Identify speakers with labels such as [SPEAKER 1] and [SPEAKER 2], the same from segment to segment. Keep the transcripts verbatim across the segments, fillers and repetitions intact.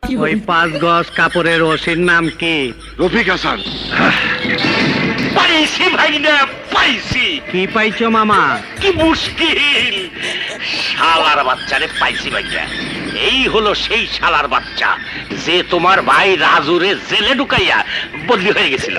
[SPEAKER 1] ওই পাঁচ গজ কাপড়ের ওসির নাম কি?
[SPEAKER 2] রফিক হাসান।
[SPEAKER 3] পাইছি ভাইনা, পাইছি।
[SPEAKER 1] কি পাইছো মামা?
[SPEAKER 3] কি মুশকিল, শালার বাচ্চারে পাইছি ভাইনা। এই হলো সেই শালার বাচ্চা যে তোমার ভাই রাজুরে জেলে ঢুকাইয়া বদলি হয়ে গেছিল।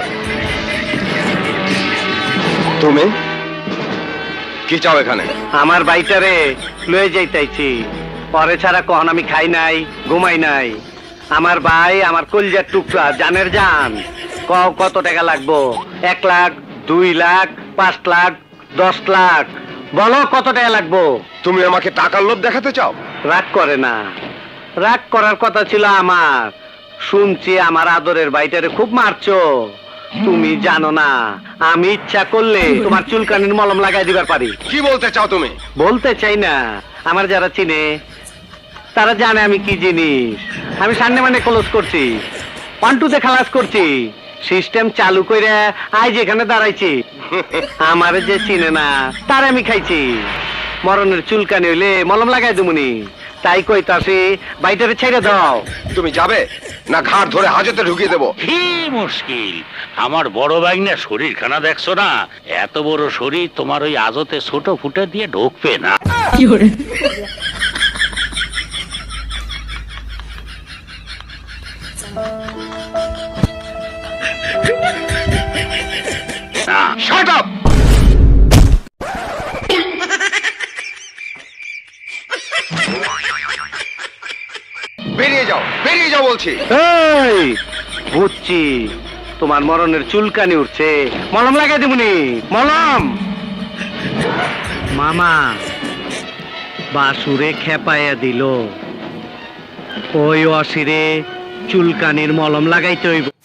[SPEAKER 2] তুমি কি চাও এখানে?
[SPEAKER 1] আমার বাইটারে লয়ে যাইতাইছি। পরে ছাড়া কখন আমি খাই নাই, ঘুমাই নাই। আমার ভাই আমার কলজার টুকরা, জানের জান। কও কত টাকা লাগবো? এক লাখ, দুই লাখ, পাঁচ লাখ, দশ লাখ, বলো কত টাকা লাগবো?
[SPEAKER 2] তুমি আমাকে টাকার লোভ দেখাতে চাও?
[SPEAKER 1] রাগ করে না, রাগ করার কথা ছিল আমার। শুনছি আমার আদরের বাইটারে খুব মারছো। তুমি জানো না, আমি ইচ্ছা করলে তোমার চুলকানির মলম লাগাই দিবার পারি।
[SPEAKER 2] কি বলতে চাও তুমি?
[SPEAKER 1] বলতে চাই না, আমার যারা চিনে তারা জানে আমি কি জিনিস। আমি সামনে মানে ক্লোজ করছি, পান্টুতে খালাস করছি, সিস্টেম চালু করে আজ এখানে দাঁড়াইছি। আমার যে চিনে না তার আমি খাইছি। মরণের চুলকানি হইলে মলম লাগাই দুমুনি। তাই কইতাছি বাইটারে ছেড়ে দাও।
[SPEAKER 2] তুমি যাবে না ঘাড় ধরে হাজতে ঢুকিয়ে দেবো?
[SPEAKER 3] কি মুশকিল, আমার বড় ভাইনা শরীর খানা দেখছো না? এত বড় শরীর তোমার ওই আজতে ছোট ফুটে দিয়ে ঢুকবে না।
[SPEAKER 2] Shut up! বেরিয়ে যাও, বেরিয়ে যাও বলছি।
[SPEAKER 1] এই বুঝছি তোমার মরণের চুলকানি উঠছে, মলম লাগাই দেবনি। মলম মামা বাসুরে খেপাইয়া দিল। ওই অসিরে চুলকানির মলম লাগাইতে হইব।